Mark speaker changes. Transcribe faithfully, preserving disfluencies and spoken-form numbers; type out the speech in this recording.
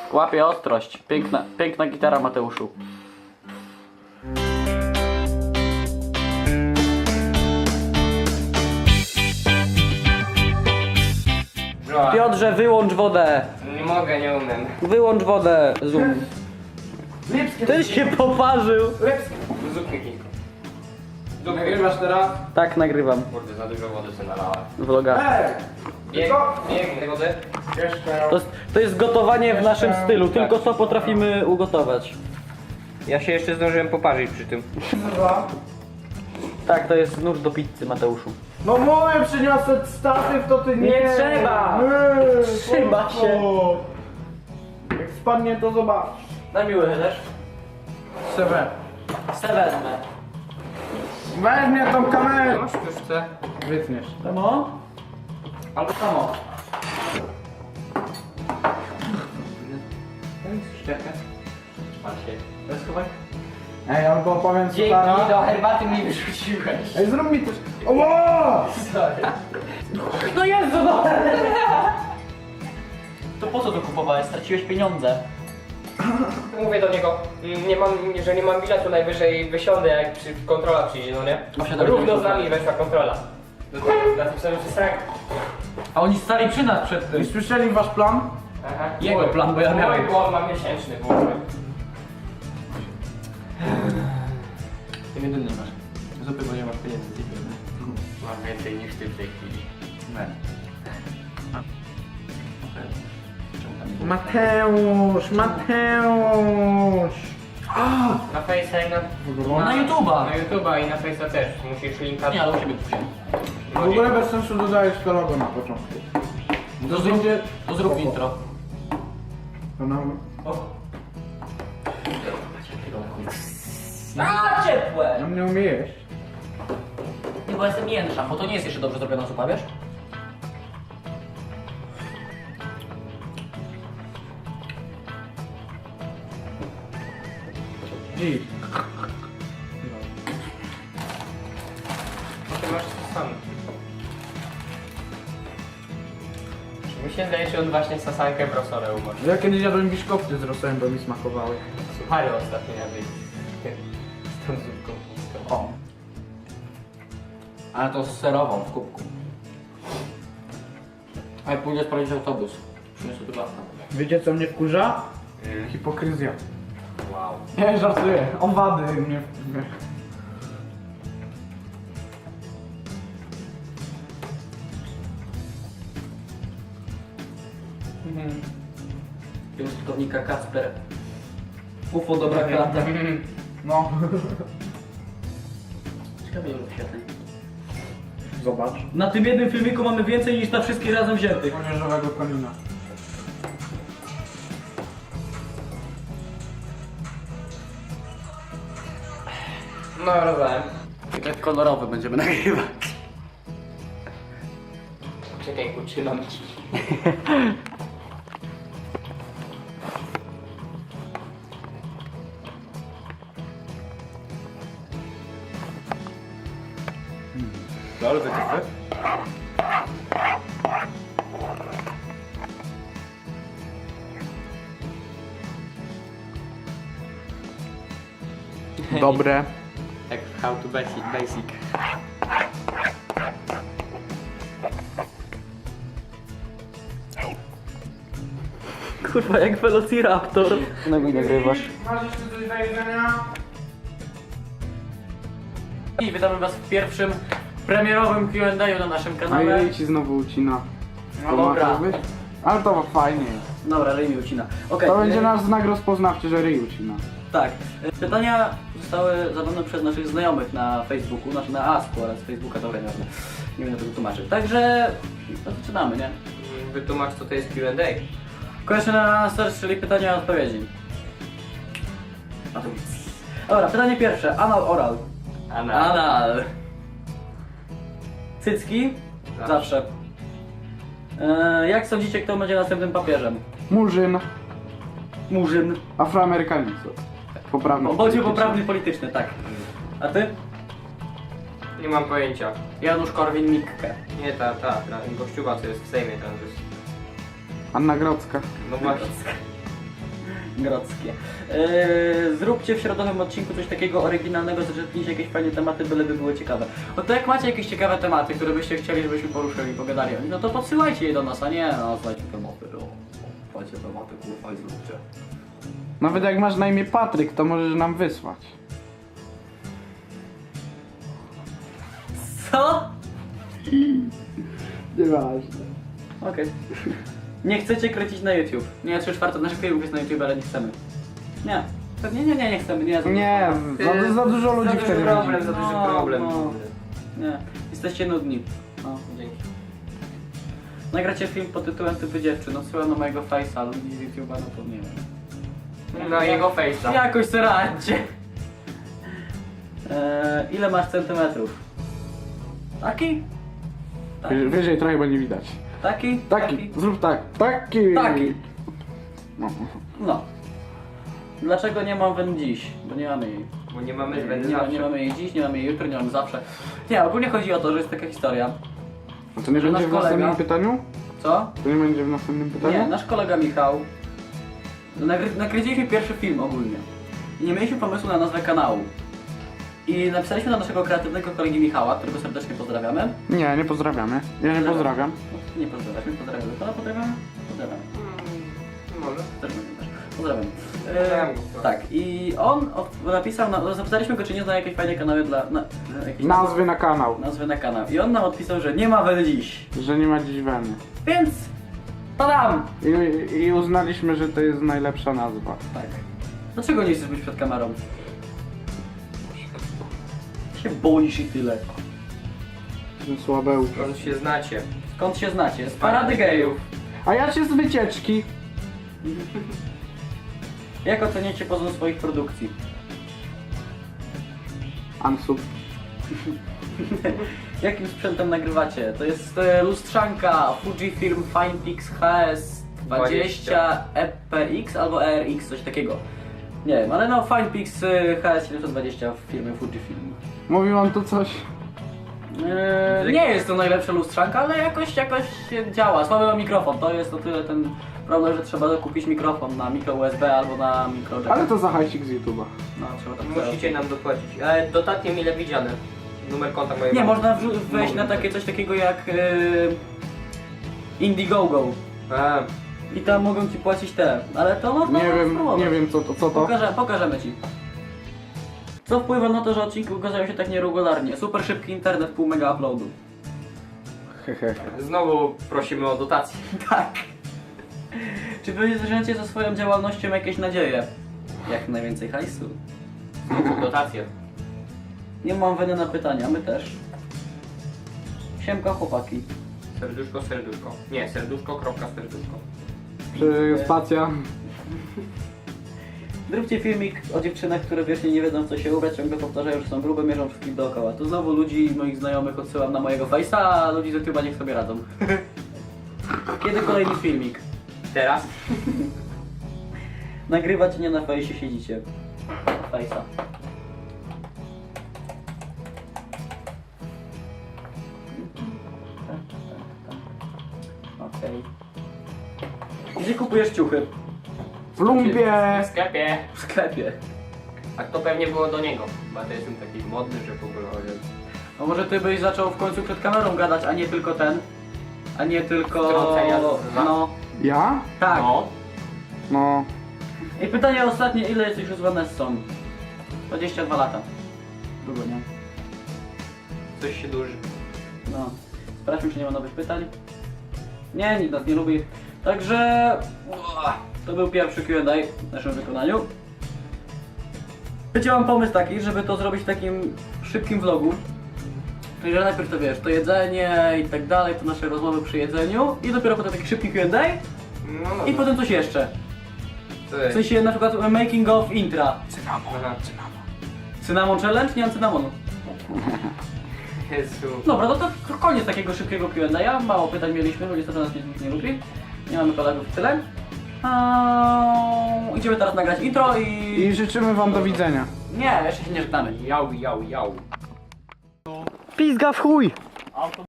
Speaker 1: Łapie ostrość. Piękna, piękna gitara, Mateuszu. Piotrze, wyłącz wodę.
Speaker 2: Nie mogę, nie umiem.
Speaker 1: Wyłącz wodę. Zoom. Ty się poparzył.
Speaker 2: Zupki kilka. Nagrywasz teraz?
Speaker 1: Tak, nagrywam.
Speaker 2: Kurde, za dużo wody sobie nalałem.
Speaker 1: Vloga.
Speaker 2: Bieg, bieg wody.
Speaker 1: To jest, to jest gotowanie w naszym stylu, tylko co potrafimy ugotować.
Speaker 2: Ja się jeszcze zdążyłem poparzyć przy tym.
Speaker 1: Tak, to jest nóż do pizzy, Mateuszu.
Speaker 3: No mówię, przyniosę statyw, to ty nie.
Speaker 1: Nie trzeba.
Speaker 3: Nie,
Speaker 1: Trzyma
Speaker 3: po
Speaker 1: się.
Speaker 3: co? Jak spadnie, to zobacz.
Speaker 1: Na miły też.
Speaker 3: Sewe.
Speaker 1: Se wezmę.
Speaker 3: Weźmie tą kamerę.
Speaker 2: Masz puszce?
Speaker 3: Wytniesz.
Speaker 1: Samo? Albo samo.
Speaker 2: Szczepkę. Patrzcie.
Speaker 1: Rozchowaj.
Speaker 3: Ej, albo powiem co
Speaker 2: Dzięki,
Speaker 3: teraz.
Speaker 2: do herbaty mi wyrzuciłeś.
Speaker 3: Ej, zrób mi coś. Oło!
Speaker 2: Sorry.
Speaker 1: No Jezu, no! To po co to kupowałeś? Straciłeś pieniądze.
Speaker 2: Mówię do niego, mm, nie mam, że nie mam biletu, najwyżej wysiądę jak przy, kontrola przyjdzie, no nie?
Speaker 1: Właśnie tak
Speaker 2: Równo z
Speaker 1: będzie.
Speaker 2: nami weszła kontrola. Napisałem, że srak.
Speaker 1: A oni stali przy nas przed
Speaker 3: Nie
Speaker 1: tym.
Speaker 3: słyszeli wasz plan?
Speaker 2: Aha.
Speaker 1: Jego plan, bo ja miałem.
Speaker 2: Mój błąd, mam miesięczny błąd.
Speaker 1: Ty jedyny masz. Zupy, bo nie masz pieniędzy.
Speaker 2: Mam więcej niż ty w tej chwili.
Speaker 3: Mateusz, Mateusz.
Speaker 2: Na Face'a i na...
Speaker 1: Na YouTube'a.
Speaker 2: Na YouTube'a i na Face'a też. Musisz linka...
Speaker 1: Nie, ale u siebie kupię.
Speaker 3: W ogóle bez sensu dodajesz to logo na początku.
Speaker 1: To zrób, to zrób intro.
Speaker 3: To nam...
Speaker 1: A, ciepłe!
Speaker 3: On nie umie jeść.
Speaker 1: Nie, bo jestem jędrzem, bo to nie jest jeszcze dobrze zrobiona zupa, wiesz?
Speaker 3: Dziś.
Speaker 2: Ty masz to sam. Mi się zdaje, że on właśnie sasankę w rosolę umarł.
Speaker 3: Ja kiedyś jadłem biszkopty z rosołem, bo mi smakowały.
Speaker 2: Suchary ostatnio jadłeś. Z tą zupką chińską.
Speaker 1: O. Ale to z serową w kubku. A ja pójdę sprawdzić autobus. Przyniosę tu basta.
Speaker 3: Wiecie co mnie wkurza?
Speaker 2: Mm.
Speaker 3: Hipokryzja.
Speaker 2: Wow.
Speaker 3: Nie, żartuję. Owady mnie...
Speaker 1: Użytkownika Kacper. U F O dobra klata.
Speaker 3: No.
Speaker 1: Ciekawe ile wyświetleń.
Speaker 3: Zobacz.
Speaker 1: Na tym jednym filmiku mamy więcej niż na wszystkich razem wziętych.
Speaker 3: Młodzieżowego konina.
Speaker 2: No, rozumiem.
Speaker 1: I tak kolorowy będziemy nagrywać.
Speaker 2: Czekaj, utrzymam ci.
Speaker 3: Bardzo ciekawe. Dobre.
Speaker 2: Jak how to basic, basic.
Speaker 1: Kurwa, jak Velociraptor. No mi nagrywasz.
Speaker 3: Masz jeszcze coś do jedzenia?
Speaker 1: I witamy was w pierwszym premierowym Q and A na naszym
Speaker 4: A
Speaker 1: kanale.
Speaker 4: jej ci znowu ucina.
Speaker 1: No
Speaker 4: To
Speaker 1: dobra.
Speaker 4: ma tak być? Ale to fajnie jest.
Speaker 1: Dobra, ryj mi ucina. Okej.
Speaker 4: To będzie
Speaker 1: y,
Speaker 4: nasz znak rozpoznawczy, że ryj ucina.
Speaker 1: Tak. Y, Pytania zostały zadane przez naszych znajomych na Facebooku, znaczy na Asku, ale z Facebooka to nie wiem. Nie będę tego tłumaczyć. Także no, zaczynamy, nie?
Speaker 2: Wytłumacz, co to jest Q and A.
Speaker 1: Question and answers, czyli pytania i odpowiedzi. A to nic. Dobra, pytanie pierwsze. Anal, oral.
Speaker 2: Ana.
Speaker 1: Anal. Cycki?
Speaker 2: Zawsze.
Speaker 1: Zawsze. E, jak sądzicie, kto będzie następnym papieżem?
Speaker 4: Murzyn,
Speaker 1: Murzyn.
Speaker 4: afroamerykanizm. Poprawny.
Speaker 1: Bądź
Speaker 4: polityczny.
Speaker 1: poprawny polityczny, tak. A ty?
Speaker 2: Nie mam pojęcia.
Speaker 1: Janusz Korwin-Mikke.
Speaker 2: Nie, ta, ta, ta gościuwa, co jest w Sejmie teraz jest.
Speaker 4: Anna Grodzka.
Speaker 2: No właśnie.
Speaker 1: Grodzkie. Yy, zróbcie w środowym odcinku coś takiego oryginalnego, zaczerpnijcie jakieś fajne tematy, byleby były ciekawe. O to jak macie jakieś ciekawe tematy, które byście chcieli, żebyśmy poruszyli, pogadali o nich, no to podsyłajcie je do nas, a nie no, słuchajcie tematy, no. Słuchajcie tematy, kurwa i zróbcie.
Speaker 4: Nawet jak masz na imię Patryk, to możesz nam wysłać.
Speaker 1: Co?
Speaker 4: Nieważne.
Speaker 1: Okej. Nie chcecie kręcić na YouTube. Nie, trzy czwarte naszych filmów jest na YouTube, ale nie chcemy. Nie. Pewnie nie, nie, nie chcemy. Nie, za
Speaker 4: Nie, za, za dużo ludzi
Speaker 2: Za duży
Speaker 4: wtedy
Speaker 2: problem,
Speaker 4: widzi.
Speaker 2: za duży
Speaker 1: No,
Speaker 2: problem.
Speaker 1: no. Nie. Jesteście nudni. No.
Speaker 2: Dzięki.
Speaker 1: Nagracie film pod tytułem Typy dziewczyn. Odsyłam na mojego face'a, ludzi z YouTube'a, no to nie wiem.
Speaker 2: Na jego face'a.
Speaker 1: Jakoś se radźcie. Eee, ile masz centymetrów? Taki? Taki?
Speaker 4: Wyżej- Wyżej trochę, bo nie widać.
Speaker 1: Taki?
Speaker 4: Taki, zrób tak. Taki.
Speaker 1: Taki.
Speaker 4: No.
Speaker 1: No. Dlaczego nie mam wen dziś? Bo nie mamy jej.
Speaker 2: Bo nie mamy
Speaker 1: Nie,
Speaker 2: zbędny
Speaker 1: nie,
Speaker 2: zawsze.
Speaker 1: nie mamy jej dziś, nie mamy jej jutro, nie mamy zawsze. Nie, ogólnie chodzi o to, że jest taka historia.
Speaker 4: A to nie
Speaker 1: Że
Speaker 4: będzie
Speaker 1: nasz
Speaker 4: w następnym
Speaker 1: kolega-
Speaker 4: pytaniu?
Speaker 1: Co?
Speaker 4: To nie będzie w następnym pytaniu?
Speaker 1: Nie, nasz kolega Michał. Nagry nakręciliśmy pierwszy film ogólnie. I nie mieliśmy pomysłu na nazwę kanału. I napisaliśmy do naszego kreatywnego kolegi Michała, którego serdecznie pozdrawiamy.
Speaker 4: Nie, nie pozdrawiamy. Ja nie pozdrawiam.
Speaker 1: Nie pozdrawiamy, pozdrawiamy. Pana pozdrawiamy? Pozdrawiamy.
Speaker 2: Może.
Speaker 1: Też będę też. Pozdrawiam.
Speaker 2: Pozdrawiam
Speaker 1: E,
Speaker 2: go.
Speaker 1: tak, i on od, napisał, na, zapytaliśmy go, czy nie zna jakieś fajne kanały dla... Na, na, jakieś
Speaker 4: Nazwy na kanał.
Speaker 1: nazwy na kanał. I on nam odpisał, że nie ma wen dziś.
Speaker 4: Że nie ma dziś weny.
Speaker 1: Więc... Tadam!
Speaker 4: I, I uznaliśmy, że to jest najlepsza nazwa.
Speaker 1: Tak. Dlaczego nie chcesz być przed kamerą? Się boisz i tyle.
Speaker 4: Ten słabeł.
Speaker 2: Skąd się znacie?
Speaker 1: Skąd się znacie? Z parady gejów.
Speaker 4: A ja cię z wycieczki.
Speaker 1: Jak oceniacie poziom swoich produkcji?
Speaker 4: Ansub.
Speaker 1: Jakim sprzętem nagrywacie? To jest e, lustrzanka Fujifilm Finepix H S dwadzieścia E P X albo E R X, coś takiego. Nie wiem, ale no Finepix e, H S siedemset dwadzieścia w firmie Fujifilm.
Speaker 4: Mówi wam to coś?
Speaker 1: Eee, nie jest to najlepsza lustrzanka, ale jakoś, jakoś działa. Słaby ma mikrofon, to jest o tyle ten problem, że trzeba kupić mikrofon na mikro U S B albo na mikro jack.
Speaker 4: Ale to za hajsik z YouTube'a.
Speaker 1: No, trzeba tak
Speaker 2: Musicie nam dopłacić. E, dotatnie mile widziane. Numer konta mojego.
Speaker 1: Nie, można wrzu- wejść na takie coś takiego jak yy, Indiegogo
Speaker 2: A,
Speaker 1: i tam mogą ci płacić te, ale to można
Speaker 4: Nie wiem,
Speaker 1: spróbować.
Speaker 4: nie wiem co to, co to.
Speaker 1: Pokażę, pokażemy ci. Co wpływa na to, że odcinki ukazują się tak nieregularnie? Super szybki internet, pół mega uploadu.
Speaker 4: Hehe.
Speaker 2: znowu prosimy o dotację.
Speaker 1: Tak. Czy wy zwierzęcie ze swoją działalnością jakieś nadzieje? Jak najwięcej hajsu.
Speaker 2: Znowu dotację.
Speaker 1: Nie mam weny na pytania, my też. Siemka chłopaki.
Speaker 2: Serduszko, serduszko. Nie, serduszko, kropka, serduszko.
Speaker 4: Czy spacja?
Speaker 1: Zróbcie filmik o dziewczynach, które wiecznie nie wiedzą w co się ubrać, ciągle powtarzają, że są grube, mierzą wszystkich dookoła. Tu znowu ludzi, moich znajomych odsyłam na mojego face'a, a ludzi z YouTube'a niech sobie radzą. Kiedy kolejny filmik?
Speaker 2: Teraz?
Speaker 1: Nagrywać nie na fejsie siedzicie. Face'a. Okej. Gdzie kupujesz ciuchy?
Speaker 4: W lumpie!
Speaker 2: W sklepie.
Speaker 1: W sklepie.
Speaker 2: A to pewnie było do niego. Bo to jestem taki modny, że w ogóle...
Speaker 1: A może ty byś zaczął w końcu przed kamerą gadać, a nie tylko ten? A nie tylko...
Speaker 2: Wtrącenia z-
Speaker 1: No,
Speaker 4: Ja?
Speaker 1: tak.
Speaker 2: No.
Speaker 4: No.
Speaker 1: I pytanie ostatnie, ile jesteś już z Vanessą? dwadzieścia dwa lata. Długo, nie?
Speaker 2: Coś się duży.
Speaker 1: No. Sprawdźmy, czy nie ma nowych pytań. Nie, nikt nas nie lubi. Także... uah, to był pierwszy Q and A w naszym wykonaniu. Wiecie, mam pomysł taki, żeby to zrobić w takim szybkim vlogu. Czyli, że najpierw to wiesz, to jedzenie i tak dalej, to nasze rozmowy przy jedzeniu i dopiero potem taki szybki Q and A
Speaker 2: No, no.
Speaker 1: i potem coś jeszcze.
Speaker 2: Co
Speaker 1: W
Speaker 2: jest?
Speaker 1: sensie na przykład making of intra.
Speaker 2: Aha.
Speaker 1: Cynamon challenge? Nie mam cynamonu.
Speaker 2: Jezu.
Speaker 1: Dobra, no to koniec takiego szybkiego Q and A. Mało pytań mieliśmy, bo niestety nas nikt nie lubi. Nie mamy kolegów tyle. Eee, idziemy teraz nagrać intro i...
Speaker 4: I życzymy wam do widzenia.
Speaker 1: Nie, jeszcze się nie żegnamy.
Speaker 2: Jau, jau, jau.
Speaker 4: Pizga w chuj!